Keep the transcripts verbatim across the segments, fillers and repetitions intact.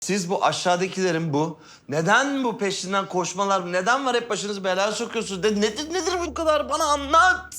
Siz bu aşağıdakilerin bu, neden bu peşinden koşmalar, neden var hep başınızı belaya sokuyorsunuz? De, nedir nedir bu kadar? Bana anlat.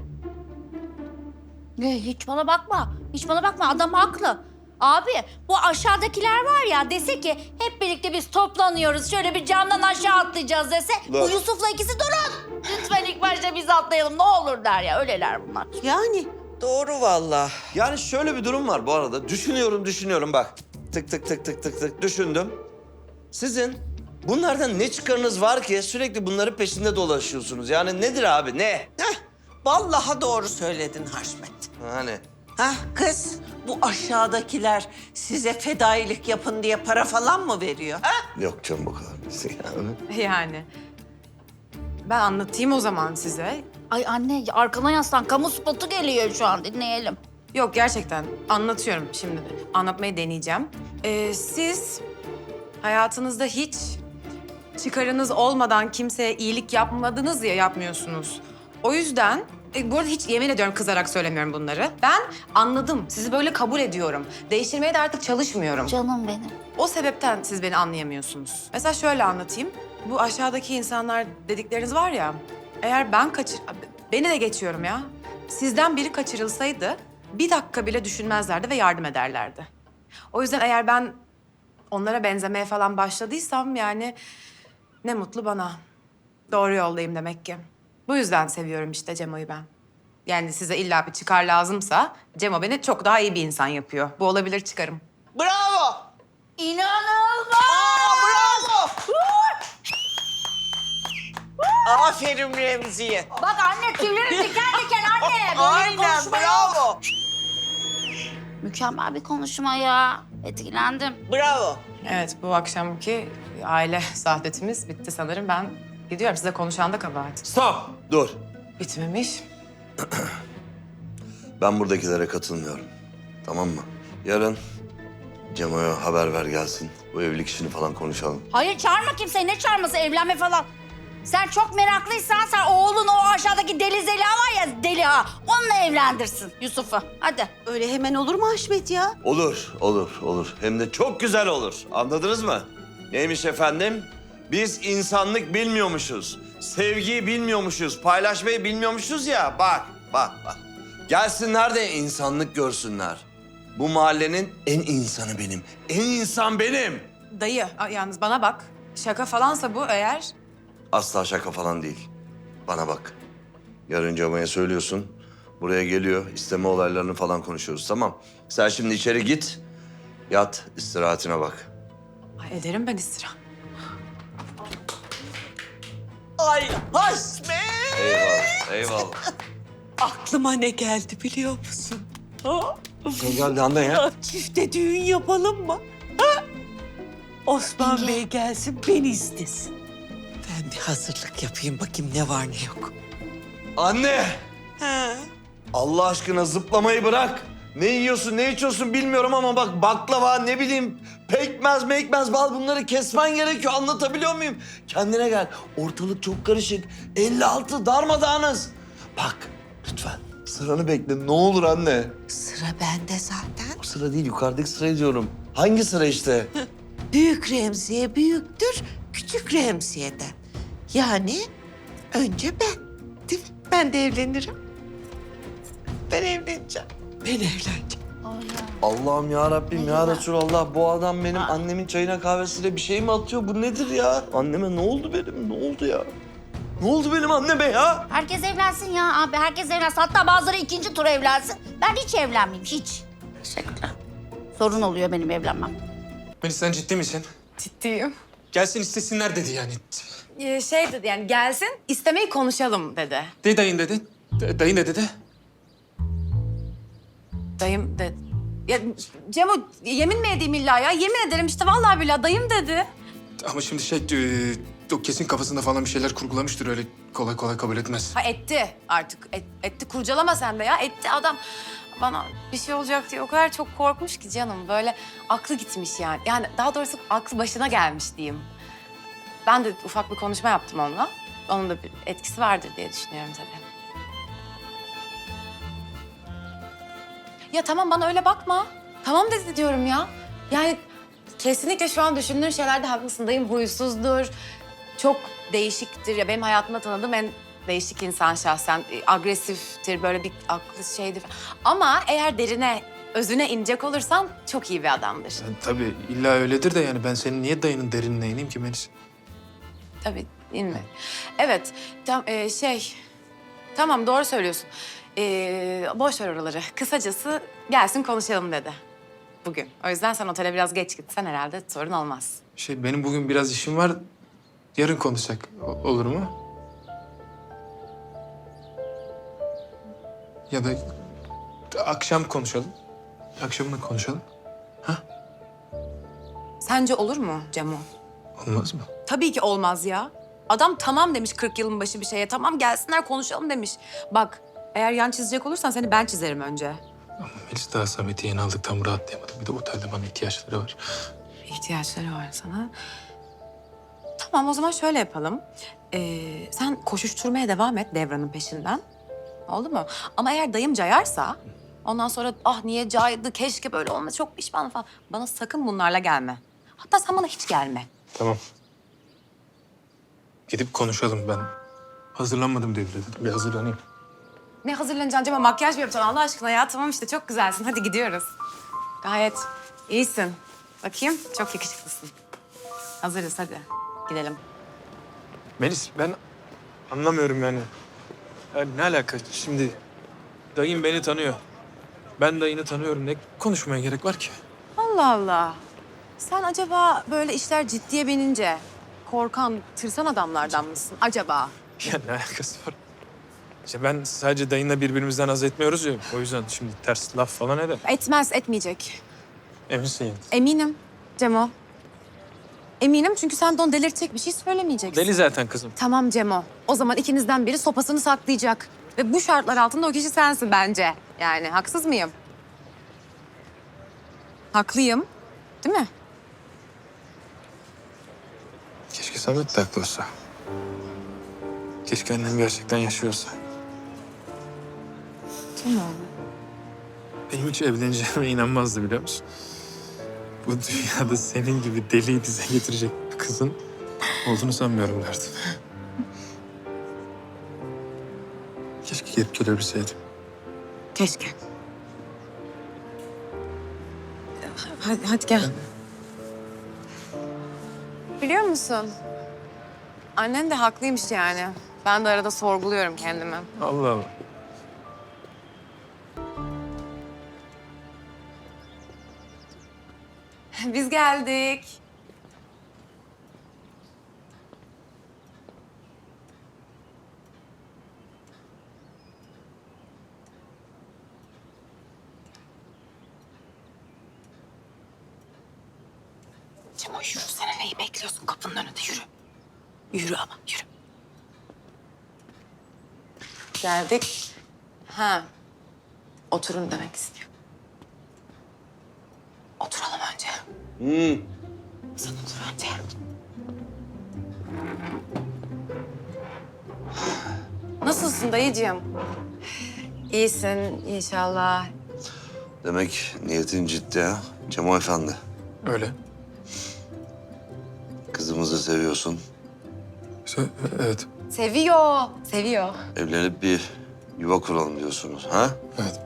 Ne, hiç bana bakma. Hiç bana bakma. Adam haklı. Abi bu aşağıdakiler var ya dese ki hep birlikte biz toplanıyoruz. Şöyle bir camdan aşağı atlayacağız dese. Dur. Bu Yusuf'la ikisi durun. Lütfen ilk başta biz atlayalım ne olur der ya. Öyleler bunlar. Yani doğru vallahi. Yani şöyle bir durum var bu arada. Düşünüyorum, düşünüyorum bak. Tık tık tık tık tık tık düşündüm. Sizin bunlardan ne çıkarınız var ki sürekli bunların peşinde dolaşıyorsunuz? Yani nedir abi, ne? Heh, vallahi doğru söyledin Haşmet. Hani Hah kız, bu aşağıdakiler size fedailik yapın diye para falan mı veriyor? Ha? yok canım bu kadar. Yani. Yani. Ben anlatayım o zaman size. Ay anne arkana yaslan. Kamu spotu geliyor şu an dinleyelim. Yok gerçekten anlatıyorum şimdi de. Anlatmayı deneyeceğim. Ee, siz hayatınızda hiç çıkarınız olmadan kimseye iyilik yapmadınız ya yapmıyorsunuz. O yüzden e, bu arada hiç yemin ediyorum kızarak söylemiyorum bunları. Ben anladım. Sizi böyle kabul ediyorum. Değiştirmeye de artık çalışmıyorum. Canım benim. O sebepten siz beni anlayamıyorsunuz. Mesela şöyle anlatayım. Bu aşağıdaki insanlar dedikleriniz var ya... Eğer ben kaçır... Beni de geçiyorum ya. Sizden biri kaçırılsaydı bir dakika bile düşünmezlerdi ve yardım ederlerdi. O yüzden eğer ben onlara benzemeye falan başladıysam yani ne mutlu bana. Doğru yoldayım demek ki. Bu yüzden seviyorum işte Cemo'yu ben. Yani size illa bir çıkar lazımsa Cemo beni çok daha iyi bir insan yapıyor. Bu olabilir çıkarım. Bravo! İnanılmaz! Aa, bravo! Aferin Remziye. Bak anne tüylerim diken diken anne. Böyle bir Aynen, konuşma yok. bravo. Mükemmel bir konuşma ya. Etkilendim. Bravo. Evet, bu akşamki aile saadetimiz bitti sanırım. Ben gidiyorum. Size konuşan da kabahat. Stop! Dur. Bitmemiş. Ben buradakilere katılmıyorum. Tamam mı? Yarın Cemo'ya haber ver gelsin. Bu evlilik işini falan konuşalım. Hayır çağırma kimseyi. Ne çağırması evlenme falan. Sen çok meraklıysan sen oğlun o aşağıdaki deli Zeliha var ya deli ha. Onunla evlendirsin Yusuf'u. Hadi. Öyle hemen olur mu Haşmet ya? Olur, olur, olur. Hem de çok güzel olur. Anladınız mı? Neymiş efendim? Biz insanlık bilmiyormuşuz. Sevgiyi bilmiyormuşuz. Paylaşmayı bilmiyormuşuz ya. Bak, bak, bak. Gelsinler de insanlık görsünler. Bu mahallenin en insanı benim. En insan benim. Dayı, a- yalnız bana bak. Şaka falansa bu eğer... Asla şaka falan değil. Bana bak. Yarın Cemo'ya söylüyorsun. Buraya geliyor. İsteme olaylarını falan konuşuyoruz, tamam? Sen şimdi içeri git. Yat, istirahatine bak. Ay, ederim ben istirahat. Ay Haşmet! Eyvallah, eyvallah. Aklıma ne geldi biliyor musun? Ha? Ne geldi anne ya? Çifte düğün yapalım mı? Ha? Osman Yenge. Bey gelsin, beni istesin. Ben bir hazırlık yapayım, bakayım ne var ne yok. Anne! Ha? Allah aşkına zıplamayı bırak. Ne yiyorsun, ne içiyorsun bilmiyorum ama bak baklava, ne bileyim pekmez, mekmez, bal bunları kesmen gerekiyor. Anlatabiliyor muyum? Kendine gel. Ortalık çok karışık. elli altı darmadağınız. Bak lütfen sıranı bekle ne olur anne. Sıra bende zaten. O sıra değil, yukarıdaki sırayı diyorum. Hangi sıra işte? Büyük Remziye büyüktür, küçük Remziye'den. Yani önce ben, değil mi? Ben de evlenirim. Ben evleneceğim. Ben evleneceğim. Ay ya. Allah'ım ya Rabbim ya Resulallah, bu adam benim annemin çayına kahvesiyle bir şey mi atıyor? Bu nedir ya? Anneme ne oldu benim? Ne oldu ya? Ne oldu benim anneme ya? Herkes evlensin ya abi. Herkes evlensin. Hatta bazıları ikinci tur evlensin. Ben hiç evlenmeyeyim. Hiç. Teşekkürler. Sorun oluyor benim evlenmem. Melis sen ciddi misin? Ciddiyim. Gelsin istesinler dedi yani. Ee, şey dedi yani gelsin istemeyi konuşalım dedi. De dayın dedi. De, dayın ne dedi? Dayım dedi. Ya Cemo yemin mi edeyim illa ya? Yemin ederim işte vallahi billahi dayım dedi. Ama şimdi şey, e, o kesin kafasında falan bir şeyler kurgulamıştır. Öyle kolay kolay kabul etmez. Ha etti artık. Et- etti kurcalama sen de ya. Etti adam. Bana bir şey olacak diye o kadar çok korkmuş ki canım. Böyle aklı gitmiş yani. Yani daha doğrusu aklı başına gelmiş diyeyim. Ben de ufak bir konuşma yaptım onunla. Onun da bir etkisi vardır diye düşünüyorum tabii. Ya tamam bana öyle bakma. Tamam dedi diyorum ya. Yani kesinlikle şu an düşündüğün şeylerde haklısın. Dayım huysuzdur. Çok değişiktir. Ya benim hayatımda tanıdığım en değişik insan şahsen. E, Agresiftir, böyle bir aklı şeydir. Ama eğer derine, özüne inecek olursan çok iyi bir adamdır. Yani tabii illa öyledir de yani ben senin niye dayının derinine ineyim ki Melis? Tabii, inme. Evet, tam e, şey... Tamam, doğru söylüyorsun. Ee, boş ver oraları. Kısacası gelsin konuşalım dedi bugün. O yüzden sen otele biraz geç gitsen herhalde sorun olmaz. Şey benim bugün biraz işim var. Yarın konuşsak o- olur mu? Ya da akşam konuşalım. Akşamına konuşalım. Sence olur mu Cemo? Olmaz mı? Tabii ki olmaz ya. Adam tamam demiş kırk yılın başı bir şeye. Tamam gelsinler konuşalım demiş. Bak eğer yan çizecek olursan seni ben çizerim önce. Ama Melis daha Samet'i yeni aldık tam rahatlayamadım. Bir de otelde bana ihtiyaçları var. İhtiyaçları var sana. Tamam o zaman şöyle yapalım. Ee, sen koşuşturmaya devam et Devran'ın peşinden. Oldu mu? Ama eğer dayım cayarsa... Ondan sonra ah niye caydı, keşke böyle olmasa, çok pişmanım falan. Bana sakın bunlarla gelme. Hatta sen bana hiç gelme. Tamam. Gidip konuşalım ben. Hazırlanmadım diye dedim. Bir hazırlanayım. Ne hazırlanacaksın Cem'e? Makyaj mı yapacaksın Allah aşkına ya? Tamam işte çok güzelsin. Hadi gidiyoruz. Gayet iyisin. Bakayım çok yakışıklısın. Hazırız hadi. Gidelim. Melis ben anlamıyorum yani. Yani ne alaka şimdi? Dayım beni tanıyor. Ben dayını tanıyorum. Ne konuşmaya gerek var ki? Allah Allah. Sen acaba böyle işler ciddiye binince korkan, tırsan adamlardan mısın acaba? Ya ne alakası var? İşte ben sadece dayınla birbirimizden haz etmiyoruz ya. O yüzden şimdi ters laf falan eder. Etmez, etmeyecek. Eminsin yani. Eminim Cemo. Eminim çünkü sen de onu delirtecek bir şey söylemeyeceksin. Deli zaten kızım. Tamam Cemo. O zaman ikinizden biri sopasını saklayacak. Ve bu şartlar altında o kişi sensin bence. Yani haksız mıyım? Haklıyım. Değil mi? Keşke Samet de haklı olsa. Keşke annem gerçekten yaşıyorsa. Cemo. Benim hiç evleneceğime inanmazdı biliyor musun? Bu dünyada senin gibi deliyi dize getirecek bir kızın olduğunu sanmıyorum derdim. Keşke gelip gelebilseydim. Keşke. Hadi, hadi gel. Biliyor musun? Annen de haklıymış yani. Ben de arada sorguluyorum kendimi. Allah Allah. Biz geldik. Cemo yürüsene, neyi bekliyorsun kapının önünde, yürü. Yürü ama yürü. Geldik. Ha. Oturun demek istiyor. Oturalım önce. Hmm. Sen otur önce. Nasılsın dayıcığım? İyisin inşallah. Demek niyetin ciddi ha Cemo Efendi. Öyle. Kızımızı seviyorsun. Se- Evet. Seviyor, seviyor. Evlenip bir yuva kuralım diyorsunuz ha? Evet.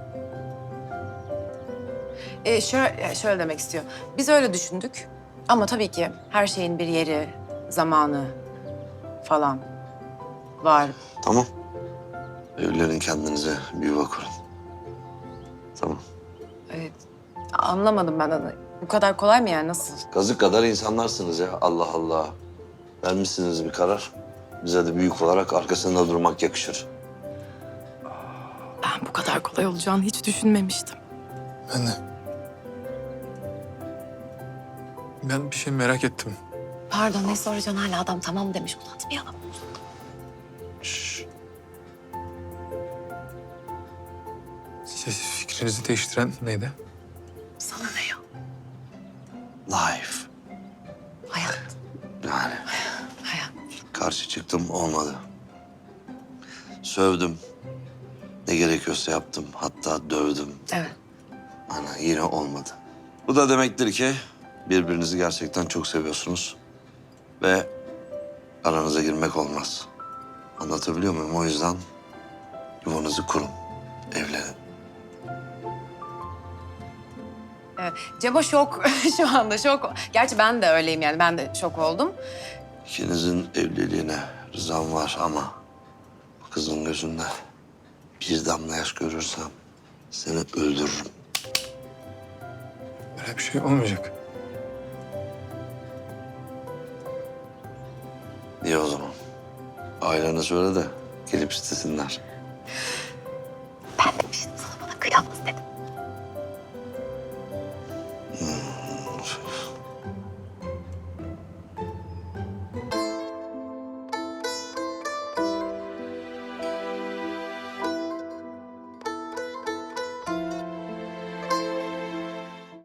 Ee, şöyle, şöyle demek istiyor. Biz öyle düşündük. Ama tabii ki her şeyin bir yeri, zamanı falan var. Tamam. Evlenin kendinize bir yuva kurun. Tamam. Evet. Anlamadım ben de. Bu kadar kolay mı yani? Nasıl? Kazık kadar insanlarsınız ya. Allah Allah. Vermişsiniz bir karar. Bize de büyük olarak arkasında durmak yakışır. Ben bu kadar kolay olacağını hiç düşünmemiştim. Ben de. Ben bir şey merak ettim. Pardon, ne soracaksın? Hala adam tamam demiş. Uzatmayalım. Şş. Siz fikrinizi değiştiren neydi? Sana ne ya? Life. Hayat. Yani Hayat. karşı çıktım olmadı. Sövdüm. Ne gerekiyorsa yaptım. Hatta dövdüm. Evet. Ana yine olmadı. Bu da demektir ki birbirinizi gerçekten çok seviyorsunuz. Ve aranıza girmek olmaz. Anlatabiliyor muyum? O yüzden yuvanızı kurun, evlenin. Evet, Cemo şok şu anda şok. Gerçi ben de öyleyim yani ben de şok oldum. İkinizin evliliğine rızam var ama bu kızın gözünde bir damla yaş görürsem seni öldürürüm. Böyle bir şey olmayacak. İyi o zaman. Ailene söyle de gelip istesinler.